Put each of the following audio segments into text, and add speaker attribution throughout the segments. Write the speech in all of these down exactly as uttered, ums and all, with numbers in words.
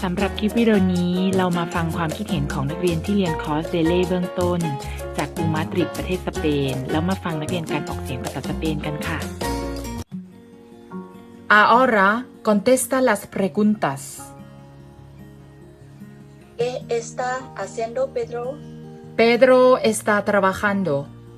Speaker 1: ำหรับคลิปวิดีโอนี้เรามาฟังความคิดเห็นของนักเรียนที่เรียนคอร์สเดเล่เบื้องต้นจากกรุงมาดริดประเทศสเปนแล้วมาฟังนักเรียนการออกเสียงภาษาสเปนกันค่ะ
Speaker 2: Ahora contesta las preguntas.
Speaker 3: ¿Qué está haciendo Pedro?
Speaker 2: Pedro está trabajando.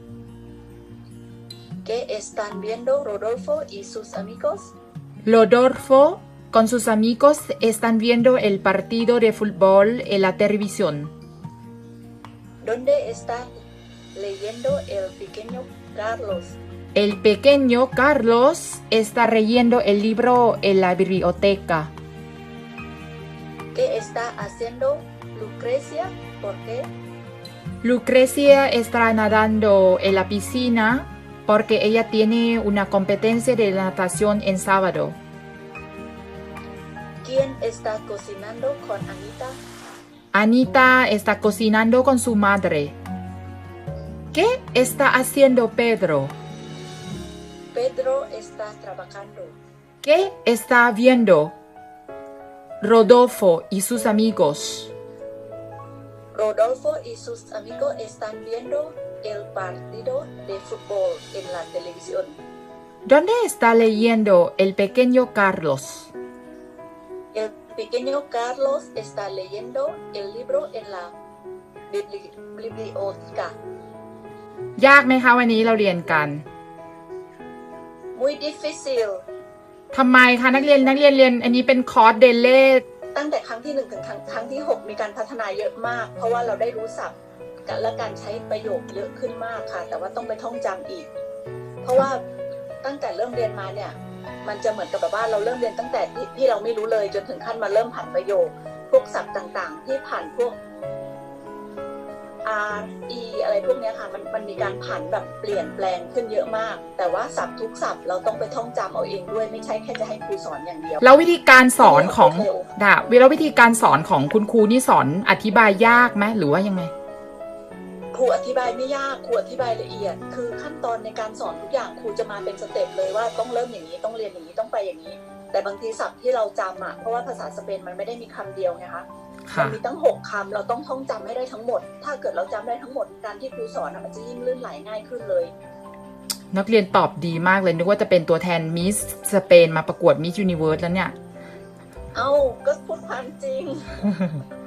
Speaker 3: ¿Qué están viendo Rodolfo y sus amigos?
Speaker 2: Rodolfo con sus amigos están viendo el partido de fútbol en la televisión.
Speaker 3: ¿Dónde está leyendo el pequeño Carlos?
Speaker 2: El pequeño Carlos está leyendo el libro en la biblioteca.
Speaker 3: ¿Qué está haciendo Lucrecia? ¿Por qué?
Speaker 2: Lucrecia está nadando en la piscina porque ella tiene una competencia de natación en sábado.
Speaker 3: ¿Quién está cocinando con Anita?
Speaker 2: Anita está cocinando con su madre. ¿Qué está haciendo Pedro?
Speaker 3: Pedro está trabajando.
Speaker 2: ¿Qué está viendo Rodolfo y sus amigos?
Speaker 3: Rodolfo y sus amigos están viendo el partido de fútbol en la televisión.
Speaker 2: ¿Dónde está leyendo el pequeño Carlos?
Speaker 3: El pequeño Carlos está leyendo el libro en la bibli- biblioteca.
Speaker 2: ยากไหมคะวันนี้เราเรียนกัน
Speaker 3: Muy difícil.
Speaker 2: ทำไมคะนักเรียนนักเรียนเรียนอันนี้เป็นคอร์สเดเล่
Speaker 3: ตั้งแต่ครั้งที่หนึ่งถึงครั้งครั้งที่หกมีการพัฒนาเยอะมาก เพราะว่าเราได้รู้ศัพท์และการใช้ประโยคเยอะขึ้นมากค่ะ แต่ว่าต้องไปท่องจำอีก เพราะว่าตั้งแต่เริ่มเรียนมาเนี่ยมันจะเหมือนกับแบบว่าเราเริ่มเรียนตั้งแต่ที่ที่เราไม่รู้เลยจนถึงขั้นมาเริ่มผ่านประโยค พวกศัพท์ต่างๆ ที่ผ่านพวก R E อะไรพวกเนี้ยค่ะมันมันมีการผันแบบเปลี่ยนแปลงขึ้นเยอะมาก แต่ว่าศัพท์ทุกศัพท์เราต้องไปท่องจำเอาเองด้วยไม่ใช่แค่จะให้ครูสอนอย่างเดียว
Speaker 2: แล้ววิธีการสอนของดาวิแล้ววิธีการสอนของคุณครูนี่สอนอธิบายยากไหมหรือว่ายังไง
Speaker 3: ครูอธิบายไม่ยากครูอธิบายละเอียด คือขั้นตอนในการสอนทุกอย่างครูจะมาเป็นสเต็ปเลยว่าต้องเริ่มอย่างนี้ต้องเรียนอย่างนี้ต้องไปอย่างนี้ แต่บางทีศัพท์ที่เราจำอ่ะเพราะว่าภาษาสเปนมันไม่ได้มีคำเดียวไงคะมันมีตั้งหกคำเราต้องท่องจำให้ได้ทั้งหมด ถ้าเกิดเราจำได้ทั้งหมดการที่ครูสอนมันจะยิ่งลื่นไหลง่ายขึ้นเลย
Speaker 2: นักเรียนตอบดีมากเลยนึกว่าจะเป็นตัวแทนมิสสเปนมาประกวดมิสยูนิเวิร์สแล้วเนี่ย
Speaker 3: เอ้าก็พูดความจริง